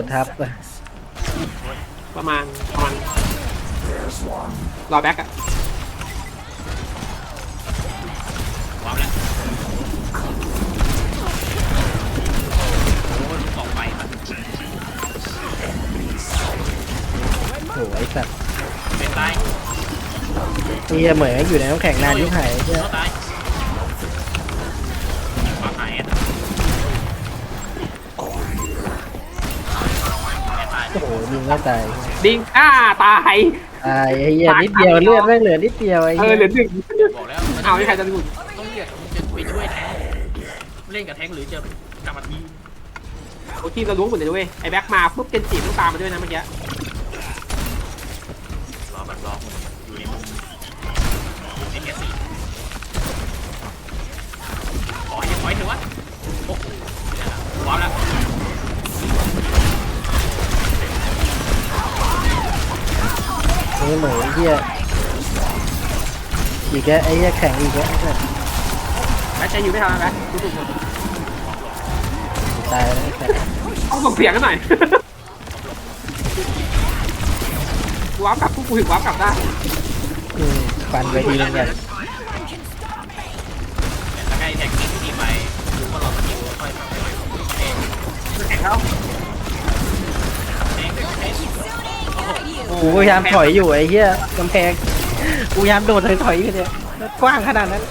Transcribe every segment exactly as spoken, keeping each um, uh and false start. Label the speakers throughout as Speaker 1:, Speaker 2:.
Speaker 1: ดทับอะ
Speaker 2: ประมาณประมาณรอแบ็กอะ
Speaker 3: ว้าวแล้วโอ้ยออกไปครับ
Speaker 1: โอ้ไอ้สัตว์
Speaker 3: เป็นตาย
Speaker 1: เฮียเหมยอยู่ในน้ำแข็งนานยิ่งหายเฮีย
Speaker 3: ตายมาหายอ่ะตาย
Speaker 1: โอ้โหยิงไม่ตาย
Speaker 2: ดิงอ้าตาย
Speaker 1: ตายไอ้เฮียนิดเดียวเลือดไม่เหลือนิดเดียวไอ้
Speaker 2: เอ
Speaker 1: เฮี
Speaker 2: อย เหลือหนึ่ง
Speaker 3: บอกแล้ว
Speaker 2: เอาไม่ใครจะดู
Speaker 3: ต้องเลือกจะไปช่วยแทงเล่นกับแทงหรือจะกลับมาที
Speaker 2: โอ้ทีมเรารู้หมดเลยด้วยไอ้แบ็กมาปุ๊บเกนจิต้องตามมาด้วยนะเมื่อกี้
Speaker 3: รอแบบรออยู่ในมุมในเมสซี่ขอให้ขอให้ถือว่าโอ้โหว้าวแล้ว
Speaker 1: นี่เหมยเฮียอีกแล้วไอ้เฮียแข็งอีกแล้ว
Speaker 2: แบ็กใจอยู่ไม่ทันแบ็กรู้สึก
Speaker 1: ตายแล้วไอ้สัตว์
Speaker 2: ต้องส่งเสียงกันหน่อยว้าวกลับปุ๊บกูถึงว้าวกลับได้
Speaker 1: อืมฟันไปทีนึงกัน
Speaker 3: แล้วใกล้แท็กซี่ที่ไปรู้ว่าเราจะมีค่อยๆเอง
Speaker 2: แข็งแล้ว
Speaker 3: เองเองโอ้โห
Speaker 1: กูพยายามถอยอยู่ไอ้เฮียกำแพงกูพยายามโดดถอยถอยอยู่เนี่ยกว้างขนาดนั้น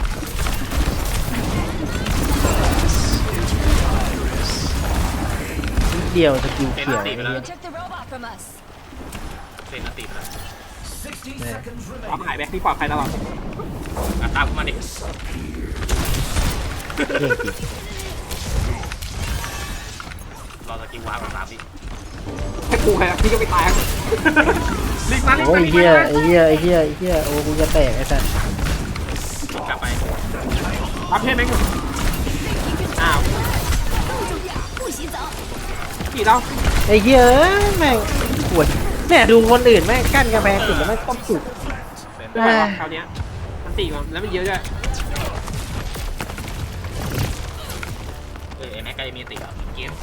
Speaker 1: นิดเดียวสกิล
Speaker 3: เป็น
Speaker 1: เขียว
Speaker 3: อันตีไปแล้ว
Speaker 4: Took the robot from us.
Speaker 3: เป็นอันตีไปแล้ว
Speaker 2: ว้าวหายแบ็กนี่ปลอดภัยตลอด
Speaker 3: อ่ะตามกูมาดิ
Speaker 1: เก่งจริง
Speaker 3: รอสกิลว้าวกับสามดิ
Speaker 2: แค่กูใครพี่ก็ไม่ตายลิงมาลิง
Speaker 1: โอ้
Speaker 2: มาย ลิง
Speaker 1: เฮีย
Speaker 2: มา
Speaker 1: ไอ้เฮียไอ้เฮียไอ้เฮียโอ้กูจะแตกไอ้สัส
Speaker 3: กลับไป
Speaker 2: รับเพศแม่งอยู่อ้าว
Speaker 4: 不洗澡。
Speaker 2: กี่เรา
Speaker 1: ไอ้เฮียเอ้ยแม่งปวดแม่ดูคนอื่นแม่งกั้นกำแพงติดแล้วแม่งต้มสุก
Speaker 2: ไม่ไหวหรอกคราวเนี้ยมันตีมันแล้วมันเยอะด้วย
Speaker 3: เออไอ้แม็กก็จะมีติดอ่ะเกม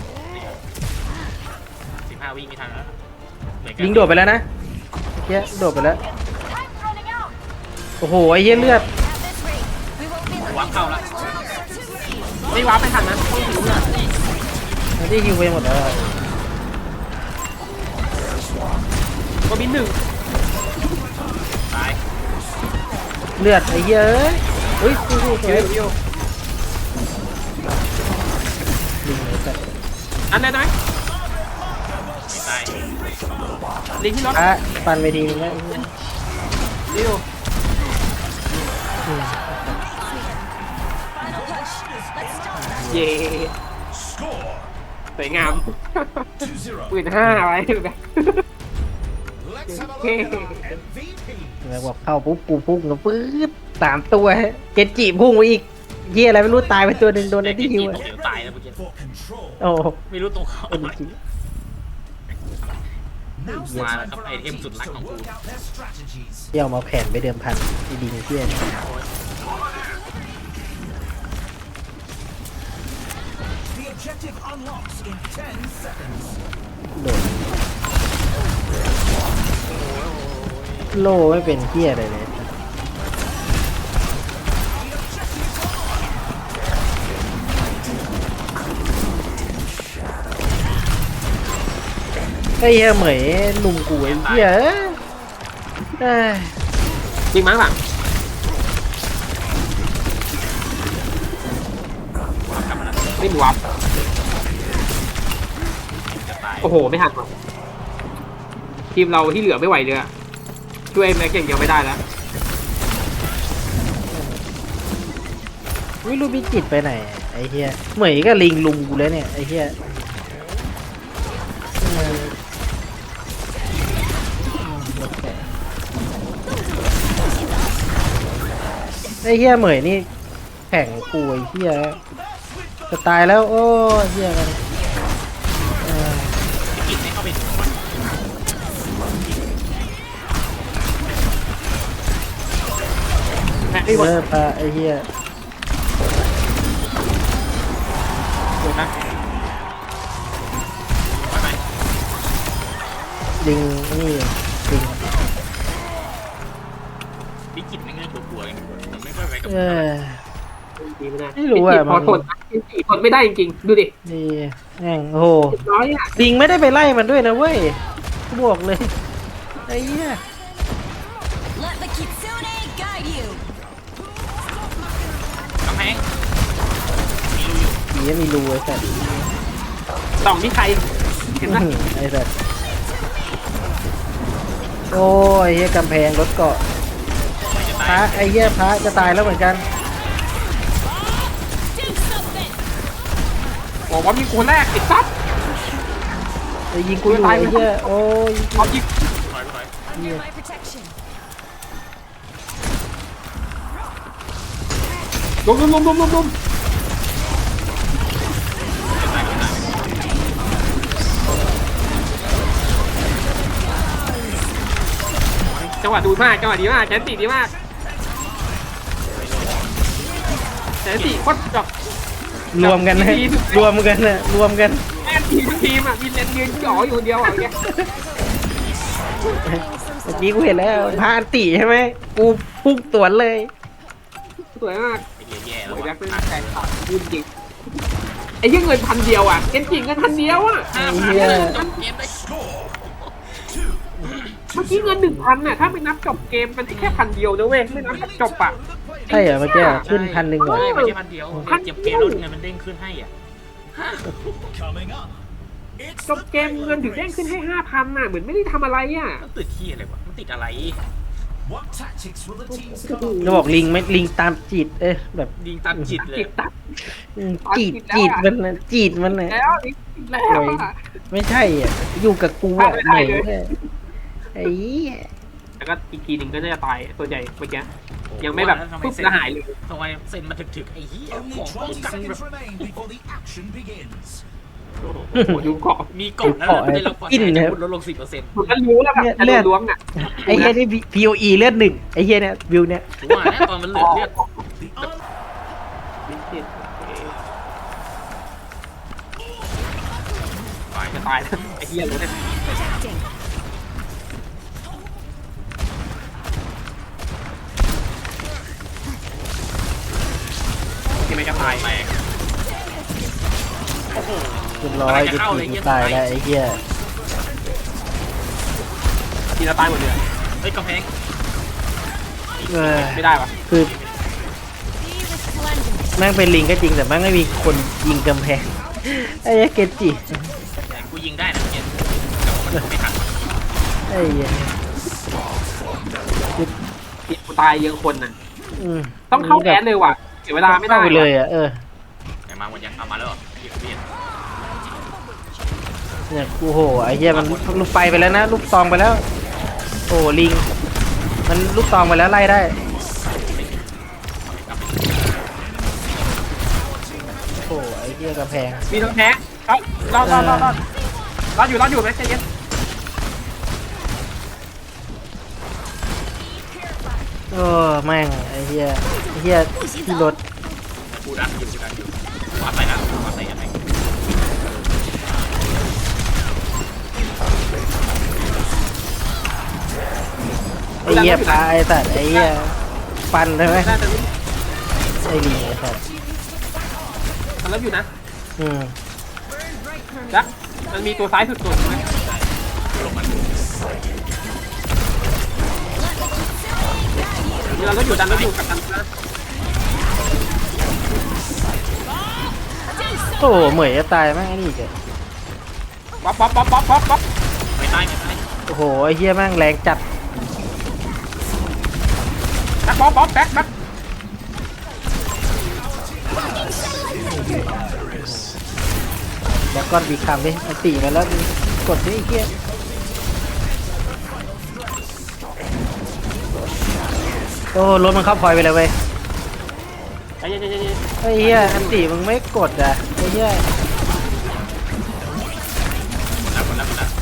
Speaker 3: สิบห้าวิมีทันแล้ว
Speaker 1: ยิงโดดไปแล้วนะเฮียโดดไปแล้ว
Speaker 4: Time's running out.
Speaker 1: โอ้โหไอ้เฮียเลือด
Speaker 4: At this rate, we won't be
Speaker 3: วางเข้าแล้ว
Speaker 2: ไม่ว้าไม่ทันนะต้องถือเลย
Speaker 1: มันได้ฮิวไปหมดแล้วอะ
Speaker 2: ก็บินหนึ่ง
Speaker 3: ตาย
Speaker 1: เลือดไอ้เฮียเอ้ยเฮ้ยสู้ๆสวย
Speaker 2: เดี๋ยวเดี๋ยว
Speaker 1: ลิงไอ้สัส
Speaker 2: อันได้ไหม
Speaker 3: ไม่ตาย
Speaker 2: ลิงที่รถ
Speaker 1: อ่ะฟันไปทีนึงแล้วไอ้เหี้ย
Speaker 2: เดี๋ยว
Speaker 1: อืม
Speaker 4: final push. Let's start.
Speaker 2: เย่สวยงามปืนห้าไว้แบบโอเค
Speaker 1: แล้วบอกเข้าปุ๊บกูพุ่งแล้วปื๊ดสามตัวเกนจิพุ่งไปอีกเฮียอะไรไม่รู้ตายไปตัวหนึ่งโดนไอ้ที่ฮิวอะ
Speaker 3: เดี๋ยวตายแล้วเมื่อกี้
Speaker 1: โอ้
Speaker 3: ไม่รู้ตรงเขา
Speaker 1: เป็นจริง
Speaker 3: มาแล้วครับไอเทมสุดรักของกู
Speaker 1: เที่ยวมาแผ่นไปเดิมพันไอ้ดีเที่ย โดดโลไม่เป็นเที่ยอะไรเลยไอ้เหี้ยเหมยลุมกูไอ้เหี้ยเอ้ย
Speaker 2: ยิงมั้งหลัง
Speaker 3: กลับมาแล้ว
Speaker 2: ไม่มีวับ
Speaker 3: จะตาย
Speaker 2: โอ้โหไม่ทันว่ะทีมเราที่เหลือไม่ไหวเลยอะช่วยแม็กอย่างเดียวไม่ได้แล้ว
Speaker 1: ไม่รู้พิจิตรไปไหนไอ้เหี้ยเหมยก็ลิงลุมกูแล้วเนี่ยไอ้เหี้ยเออไอ้เหี้ยเหมยนี่แข่งกูไอ้เหี้ยจะตายแล้วโอ้เหี้ยกันเออ
Speaker 3: กินให้เข้าไปถึงวัน
Speaker 2: แม็กไม่หมด
Speaker 1: เลิกปะไอ้เหี้ย
Speaker 2: เดี๋ยวนะ
Speaker 3: ไปไป
Speaker 1: ลิงนี่ลิง
Speaker 3: พิกิตไม่เงี้ยกลัวๆกันมันไม่ค่อยไปกับ
Speaker 1: เออ
Speaker 2: ดีไม่ได้
Speaker 1: ไม่รู้อะ
Speaker 2: พอ
Speaker 1: มัน
Speaker 2: ทนทนไม่ได้จริงๆดูดิ
Speaker 1: นี่แม่งโอ้โห
Speaker 2: น้อยอ่ะ
Speaker 1: ลิงไม่ได้ไปไล่มันด้วยนะเว้ยกูบอกเลยไอ้เหี้ย
Speaker 4: Let the kitsune guide you.
Speaker 3: กำแพงมีรูอยู่
Speaker 1: ผีมีรูไอ้สัตว์
Speaker 2: สองที่ใครเห็นไหม
Speaker 1: อื้อหือไอ้สัตว์โอ้ยเหี้ยกำแพงรถเกาะ
Speaker 3: ไม่จะ
Speaker 1: พ
Speaker 3: ตา
Speaker 1: ระ
Speaker 3: ย
Speaker 1: ไอ้เหี้ยพระจะตายแล้วเหมือนกัน
Speaker 4: Do something.
Speaker 2: บอกว่ามีคนแรกไอ้ซับ
Speaker 1: ไอ้ยิงกูอยู่ไอ้เหี้ยโอ้ย
Speaker 2: เอายิง
Speaker 3: ถอยถอย
Speaker 4: Under my protection.
Speaker 2: ลุมลุมลุมลุมลุมลุม
Speaker 3: จะตายจะตาย
Speaker 2: จังหวะดูมากจังหวะดีมากแชนตีดีมากแชนตีโคตรแบบ
Speaker 1: รวมกันนะรวมกันนะรวมกัน
Speaker 2: แม่ทีมทีมอ่ะมีเลนยืนจ่ออยู่คนเดียวอ่ะเนี่ย
Speaker 1: เมื่อกี้กูเห็นแล้วพาอันติใช่ไหมกูพุ่งสวนเลย
Speaker 2: สวยมาก
Speaker 3: ไอ้เหี้ยแย่แล้
Speaker 2: โอ้
Speaker 3: วย
Speaker 2: แบ็
Speaker 3: วะ
Speaker 2: คเป็นแฟนคลับยืนจริงไอ้ยี่เงินพันเดียวอ่ะเอ็นจริงเงินพันเดียวอ่ะ
Speaker 3: ห้าพันเลยจบเกมได้
Speaker 2: เมื่อกี้เงินหนึ่งพันน่ะถ้าไม่นับจบเกมมันแค่พันเดียวนะเว้ยไม่นับจบอ่ะ
Speaker 1: ใช่เหรอเมื่อกี้ขึ้นพันหนึ่งเหรอ
Speaker 3: ใช่ไม่ใช่พันเดียวเจ็บเกมแล้วเงินมันเด้งขึ้นให้อ่ะ
Speaker 2: จบเกมเงินถึงเด้งขึ้นให้ห้าพันน่ะเหมือนไม่ได้ทำอะไรอ่ะ
Speaker 3: มันติดที่อะไรวะมันติดอะไร
Speaker 1: จะบอกลิงไหมลิงตามจีดเอ้ยแบบ
Speaker 3: ยิงตามจิตเลย
Speaker 2: จิตตัด
Speaker 1: อืมจีดจีดมันนะจีดมันนะ
Speaker 2: แล้วอีกแล้วอ่ะ
Speaker 1: ไม่ใช่อ่ะอยู่กับกูอ่ะ
Speaker 2: ไม่
Speaker 1: เห
Speaker 2: ได้
Speaker 1: นื่อย
Speaker 2: เลย
Speaker 1: เลยไอ้เหี้ย
Speaker 2: แล้วก็อีกทีหนึ่งก็จะตายตัวใหญ่เมื่อกี้ยังไม่แบบปุ๊บแล้วหายเลย
Speaker 3: ทำไมเซ็นมาถึกๆไอ้เหี้ยของป้องกันแบบ
Speaker 2: โอ้โหดูเกาะ
Speaker 3: มีกล่องแล้วได้รับความเสียหายลดลงสิบเปอร์เซ็นต์
Speaker 2: มันก็รู้แล้วแบบจะโดนล้วงอ่ะ
Speaker 1: ไอ้เหี้ยนี่ พี โอ อี เลือดหนึ่งไอ้เหี้ยเนี่ยวิวเนี่ย
Speaker 3: ถือว่านะตอนมันเหลือเลือด
Speaker 2: ตายจะตายแล้วไอ้เหี้ยเลยเนี่ย
Speaker 4: Protecting.
Speaker 2: ที่ไม่จะตาย
Speaker 3: แตกโอ้โห
Speaker 1: เรียบร้อยจะจีตายแล้วไอ้เหี้ย
Speaker 2: ทีละตายหมดเลย
Speaker 3: เฮ้ยกำแพง
Speaker 1: เออ
Speaker 2: ไม่ได้ปะ
Speaker 1: คือ
Speaker 4: Be resplendent.
Speaker 1: แม่งเป็นลิงก็จริงแต่แม่งไม่มีคนยิงกำแพงไอ้เหี้ยเกจิ
Speaker 3: แต่กูยิงได้นะเมื่อกี้แต่ว่ามันไม่ทัน
Speaker 1: ไอ้เหี้ย
Speaker 2: ทีกูตายเยอะคนน่ะ
Speaker 1: ม
Speaker 2: ต้องเข้าแอดเลยว่ะเสียเวลาไม่ได้
Speaker 1: เข้าไปเลยอ่ะเออ
Speaker 3: แต่มาหมดยังเอามาแล้วเหรอเบียดเบียด
Speaker 1: เนี่ยกูโหไอ้เหี้ยมันลูกไฟไปแล้วนะลูกซองไปแล้ว โอ้ลิง มันลูกซองไปแล้วไล่ได้โอ้ไอ้เหี้ยกระแพง
Speaker 2: มีทั้งแพ้เอ้ารอดรอดรอดรอดรอดอยู่รอดอยู่ไหมใจเย็น
Speaker 1: โอ้แม่งไอ้เหี้ยไอ้เหี้ยที่รถ
Speaker 3: กูดันอยู่กูดันอยู่วาดไปนะวาดไปยังไง
Speaker 1: ไอ้เหี้ยปลาไอ้สัตว์ไอ้เหี้ยฟันใช่ไหม
Speaker 2: น่าจะ
Speaker 1: ไอ้ลิงไอ้สัตว์
Speaker 2: ทำแล้วอยู่นะ
Speaker 1: อืม
Speaker 2: จักมันมีตัวซ้ายสุดตัวใช่ไหม
Speaker 3: ลงมา
Speaker 2: เราก็อยู่ดันแล้วอยู่กับดันนะ
Speaker 1: โอ้เหมยจะตายแม่งไอ้นี่อีกอะ
Speaker 2: ป๊อปป๊อปป๊อปป๊อปป๊อปป๊อป
Speaker 3: ไม่ตายไม่ตาย
Speaker 1: โอ้โหไอ้เหี้ยแม่งแรงจัด
Speaker 2: แบ็คป๊อปป๊อปแบ็คแบ็ค
Speaker 1: แล้วก้อนบีคำดิอันตีมาแล้วกดดิไอ้เหี้ยโอ้รถมันเข้าพลอยไปเลยเว้ย
Speaker 2: ใจเย็นใจเย็นใจเย็น
Speaker 1: ไอ้เหี้ยอันตีมึงไม่กดอ่ะไอ้เหี้ย
Speaker 3: แล้วหมดแล้วหมดแล้ว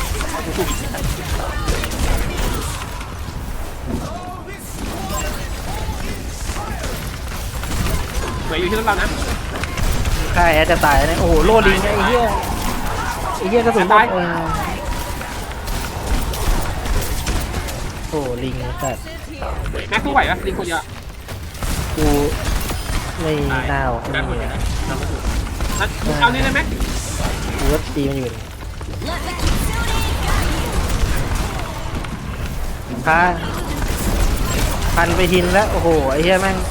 Speaker 2: เหมือนอยู่ที่รถเรานะ
Speaker 1: ค่ายแอดจะตายนะโอ้โหโลลิงไอ้เหี้ยไอ้เหี้ยกระสุนหมดเออโอ้ลิงสัตว์
Speaker 2: แม็กสู้ไหวปะลิงคนเดียวอะ
Speaker 1: กูไม่น่าเอา
Speaker 3: ได้หม
Speaker 1: ไม่
Speaker 3: ด
Speaker 1: เล
Speaker 3: เลย
Speaker 1: ย
Speaker 3: นะเราไม่ถูก
Speaker 2: นัดเอานี่เลยแม็ก
Speaker 1: กูก็ตีมันอยู่
Speaker 4: Let the kitsune guide you.
Speaker 1: พาพันไปหินแล้วโอ้โหไอ้เหี้ยแม่ง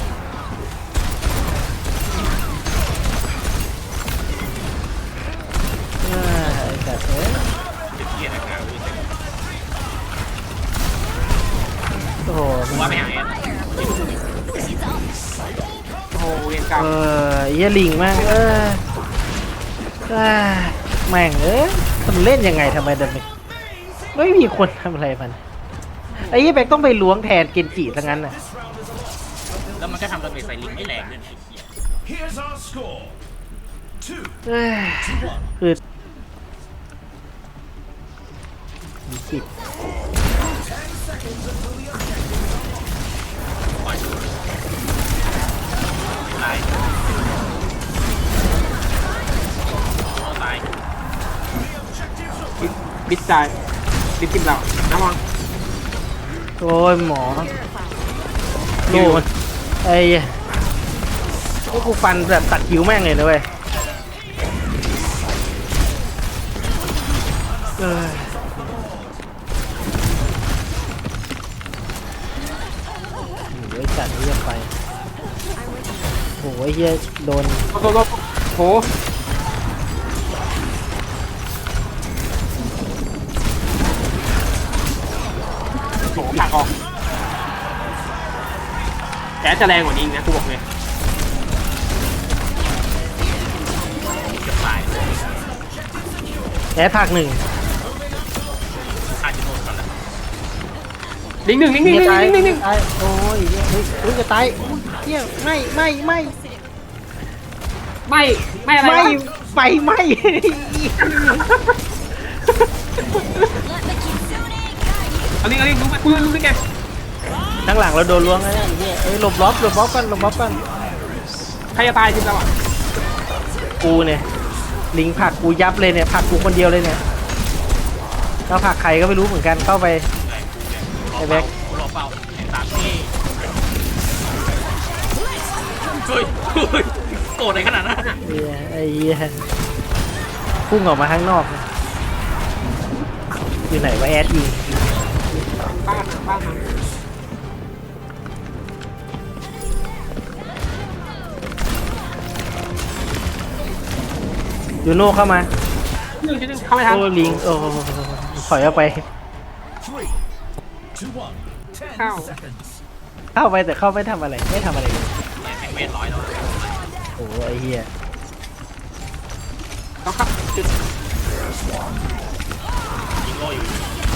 Speaker 1: อ่าไอ้สัตว์เอ้ย
Speaker 3: เกียร์นะครับ
Speaker 1: โอ้โห
Speaker 3: กูว่าไม่หายอ่ะ
Speaker 2: โอ้โหเรียนกลับ
Speaker 1: เออไอ้เหี้ยลิงแม่งเอออ่าแม่งเอ้ยมันเล่นยังไงทำไมเดินไม่ไม่มีคนทำอะไรมันไอ้เหี้ยแบกต้องไปล้วงแทนเกนจิซะงั้นน่ะ
Speaker 3: แล้วมันก็ทำดาเมจใส่ลิงไม่แรงด้วยนะไอ้เหี้ย
Speaker 5: Here's our score. Two
Speaker 1: เอ้ย
Speaker 5: to one.
Speaker 1: คือมีสิบ
Speaker 3: ปล่อยตายตาย
Speaker 2: บิดใจบิดกินเราระวัง
Speaker 1: โอ้ยหมอโน่นไอ้พวกกูฟันแบบตัดคิ้วแม่งเลยนะเว้ยเออโอ้ยจัดเรียกไปโอ้ยเฮียโดน
Speaker 2: โดนโดนโหโหผลักออกแกจะแรงกว่านี้อีกนะกูบอกเลย
Speaker 3: เกือบตาย
Speaker 1: แอดผักหนึ่ง
Speaker 3: ขาดจะโดนก่อนแล้ว
Speaker 2: ลิงหนึ่งลิงหนึ่ง
Speaker 1: เฮี
Speaker 2: ลิ
Speaker 1: ย
Speaker 2: ง
Speaker 1: ตาย
Speaker 2: หนึ่งลิงหนึ่ง
Speaker 1: ตายโอ้ยเฮียเฮ้ยเฮ้ยจะตายอุ้ยเฮียไม่ไม่ไม่
Speaker 2: ไม่ไม่อะไร
Speaker 1: ไม่
Speaker 2: วะ
Speaker 1: ไฟไหม้
Speaker 4: Let the kitsune guide you.
Speaker 2: เอาลิงเอาลิงรู้ไหมกูรู้ได้ไง
Speaker 1: ข้างหลังเราโดนล้วงแล้วเนี่ยไอ้เหี้ยเอ้ยหลบล็อบหลบล็อบกันหลบล็อบกัน
Speaker 2: ใครจะตายจริงเราอ่ะ
Speaker 1: กูเนี่ยลิงผลักกูยับเลยเนี่ยผลักกูคนเดียวเลยเนี่ยแล้วผลักใครก็ไม่รู้เหมือนกันเข้าไป ไอ้แบ็ค
Speaker 3: กูรอเฝ้าไอ้ตามนี่เฮ้ยเฮ้ยโกรธอะไรขนาดนั้นอะ
Speaker 1: เหี้ยไอ้เหี้ยพุ่งออกมาข้างนอกอยู่ไหนวะแอดยิง
Speaker 2: บ้านบ้านมัน
Speaker 1: ยูโน่เข้ามา
Speaker 2: หนึ่งชิ้นหนึ่งเข้าไม่ทัน
Speaker 1: โอ้ลิงโอ้ถอยออกไป
Speaker 5: Three to one. Ten
Speaker 2: เข้า
Speaker 5: seconds.
Speaker 1: เข้าไปแต่เข้าไม่ทำอะไรไม่ทำอะไรเลย
Speaker 3: แม่งเวทร้อยแล้วอะ
Speaker 1: โอ้ไอ้เหี้ย
Speaker 2: ต้องเข้าจุด
Speaker 3: ยิงโลอยู่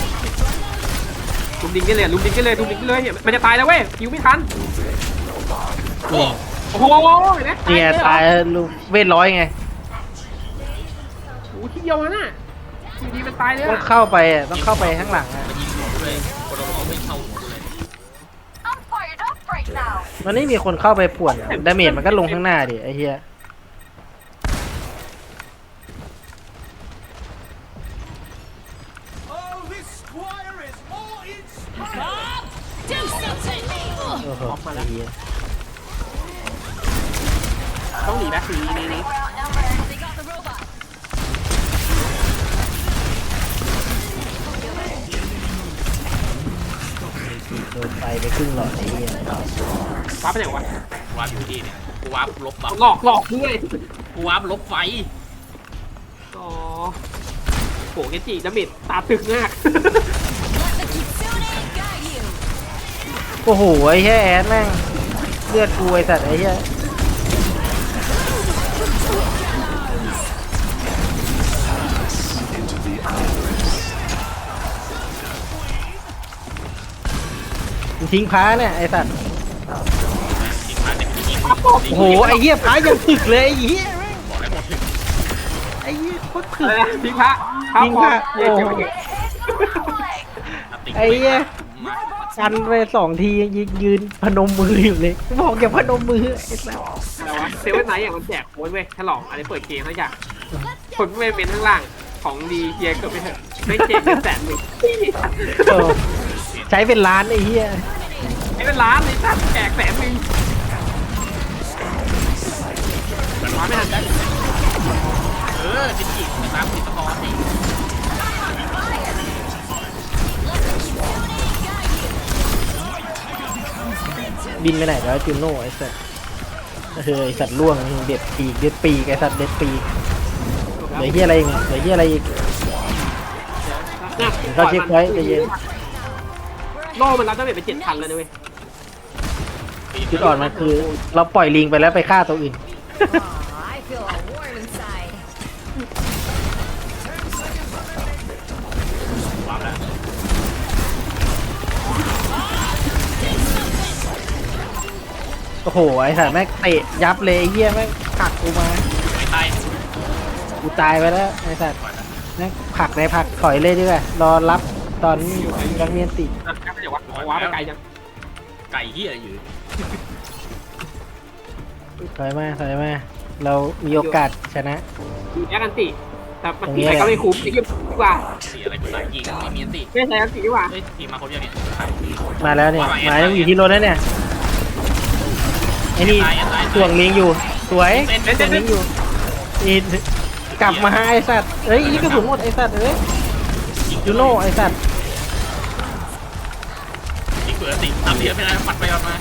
Speaker 2: ลุมดิงกันเลยลุมดิงกันเลยลุมดิงกันเลยเนี่ยมันจะตายแล้วเว้ยคิวไม่ทัน
Speaker 3: โอ้
Speaker 2: โอ้โหเห็นไหม
Speaker 1: เนี่ยตายลูกเวทร้อยไง
Speaker 2: โอ้โหที่เดียวนั่นน่ะอยู่ดีมันตายเลย
Speaker 1: ต้อง
Speaker 2: อะ
Speaker 1: เข้าไปอ่ะต้องเข้าไปข้างหลังอ่ะ
Speaker 3: มันยิงหัวกูเลยคนเราไม่เข้าหัวกูเลย
Speaker 4: I'm fired up right now.
Speaker 1: มันไม่มีคนเข้าไปป่วนดาเมจมันก็ลงข้างหน้าดิไอ้เหี้ย
Speaker 5: Oh, this squire is all inspired.
Speaker 4: Do something.
Speaker 1: โอ้โหไอ้เหี้ย
Speaker 2: ต้องหนีนะหนีหนีหนี
Speaker 4: We're outnumbered. They got the robot.
Speaker 1: โดนไฟไปครึ่งหลอดไอ้เหี้ย
Speaker 2: ว้าไปไหนวะ
Speaker 3: กูวาร์ปอยู่ที่เนี่ยกูวาร์ปลบบัฟ
Speaker 2: หลอกหลอกด้วย
Speaker 3: กูวาร์ปลบไฟ
Speaker 2: อ๋อโหเกจิดาเมจตาตึกมาก
Speaker 4: Let the kitsune guide you.
Speaker 1: โอ้โหไอ้เหี้ยแอดแม่งเลือดกูไอ้สัตว์ไอ้เหี้ยมึงทิ้งพ้าเนี่ยไอ้สัตว์
Speaker 3: ยิงมาเต็มที่ยิง
Speaker 1: โอ้โหไอ้เหี้ยพ้ายังถึกเลยไอ้เหี้ยแม่ง
Speaker 3: บอกแล้วหมดถึง
Speaker 1: ไอ้เหี้ยโคตรถึ
Speaker 2: อะ
Speaker 1: ก
Speaker 2: ไรนะทิ้งพระพระ
Speaker 1: ทิ้ง
Speaker 2: พ
Speaker 1: พ
Speaker 2: อ
Speaker 1: ระ
Speaker 2: เย้เจ๋งเจ๋ง
Speaker 1: ไอ้เหี้ย กันไปสองทียืนยืนพนมมืออยู่เลยบอกอย่าพนมมือไอ้สัส
Speaker 2: แต่ว่าเซเว่นไนท์อย่างมันแจกโค้ดเว้ยฉลองอะไรเปิดเกมทั้งอย่างคนไม่เป็นข้างล่างของดีเฮียเกิดไปเถอะไม่เกมเป็นแสนหนึ่ง
Speaker 1: เออ
Speaker 3: เปลี่ยน
Speaker 1: ใช้เป็นล้านไอ้เหี้ย
Speaker 2: ไม่เป็นล้านไอ้สัตว์แจกแสนหนึ่ง
Speaker 3: มันมาไม่ทันได้เออจิจิไปตามติดตะกอนนี่
Speaker 1: บินไปไหนแล้วจูโน่ไอ้สัตว์เฮ้ยไอ้สัตว์ล่วงเด็ดปีกเด็ดปีกไอ้สัตว์เด็ดปีกเหลือเหี้ยอะไรอีกเนี่ยเหลือเหี้ยอะไรอีก
Speaker 2: เนี่ย
Speaker 1: เขาเช็คไว้ใจเย็น
Speaker 2: โล่มันรับดาเมจไปเจ็ดพันเลยนะเว้ย
Speaker 1: จุดอ่อนมันคือ เราปล่อยลิงไปแล้วไปฆ่าตัวอื่น
Speaker 4: Oh, I feel a warm inside.
Speaker 3: วางแล้ว
Speaker 1: โอ้โหไอ้สัตว์แม่งเตะยับเลยไอ้เหี้ยแม่งผลักกูมา
Speaker 3: ไม่ตาย
Speaker 1: กูตายไปแล้วไอ้สัตว์แม่งผลักในผลักถอยเลยดีกว่ารอรับตอนยังเมียนติ
Speaker 2: นะเดี๋ยววัดว้าไปไกลจัง
Speaker 3: ไก่เหี้ยอยู่
Speaker 1: ถอยมาถอยมาเรามีโอกาสชนะ
Speaker 2: มีแอคอันติแต่มันตีไปก็ไม่คุ้มไอ้เหี้ยดีกว่า
Speaker 3: สีอะไรกูตายยิงไม่มีอันติ
Speaker 2: ไม่ใช่อันติดีกว่า
Speaker 3: เฮ้ยทีมมาคนเดียวเนี่ย
Speaker 1: มาแล้วเนี่ยหมายอยู่ที่รถแล้วเนี่ยไอ้นี่
Speaker 3: ตายตาย
Speaker 1: ส่วงลิงอยู่สวย
Speaker 3: เต้นเต้น
Speaker 1: ส่วง
Speaker 3: เต้
Speaker 1: ลิ
Speaker 3: น
Speaker 1: งอยู่อีกลับมาไอ้สัตว์เอ้ยนี่กระสุนหมดไอ้สัตว์เอ้ยยูโน่ไอ้สัตว์
Speaker 3: ยิงเปิดติทำเดียวไม่ได้ปัดไปปัดมา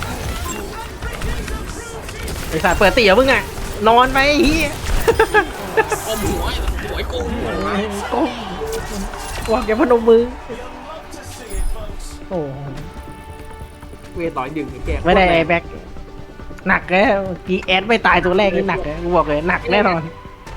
Speaker 1: ไอ้สัตว์เปิดตีเหรอมึงอ่ะนอนไปไอ้เหี้ย
Speaker 3: ก้มหัวหัวก้มหัว
Speaker 1: ก้มวางแกพนมมือโอ้
Speaker 2: เวต่อยดึงแก
Speaker 1: ไม่ได้ไอ้แบ็คหนักแล้วกีแอดไม่ตายตัวแรกนี่หนักเลยกูบอกเลยหนักแน่นอน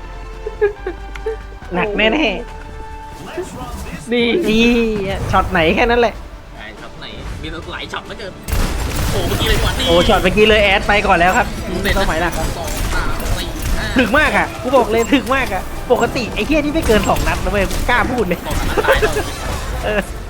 Speaker 1: หนักแน่แน่
Speaker 2: ดี
Speaker 1: ๆนี่ช็อตไหนแค่นั้นแหละ
Speaker 3: ไอ้ช็อตไหนมีหลายช็อตเหลือเกินโอ้เมื่อกี้เลยกว่านี่
Speaker 1: โอ้ช็อตเมื่อกี้เลยแอดไปก่อนแล้วครับต้องหมายหลักครับ
Speaker 3: สองสามสี่ห้า
Speaker 1: ถึกมากอ่ะกูบอกเลยถึกมากอ่ะปกติไอ้เหี้ยที่ไม่เกินสองนัดนะเว้ยกล้าพูดเลย
Speaker 3: สองนัดตายแล้ว
Speaker 1: เออ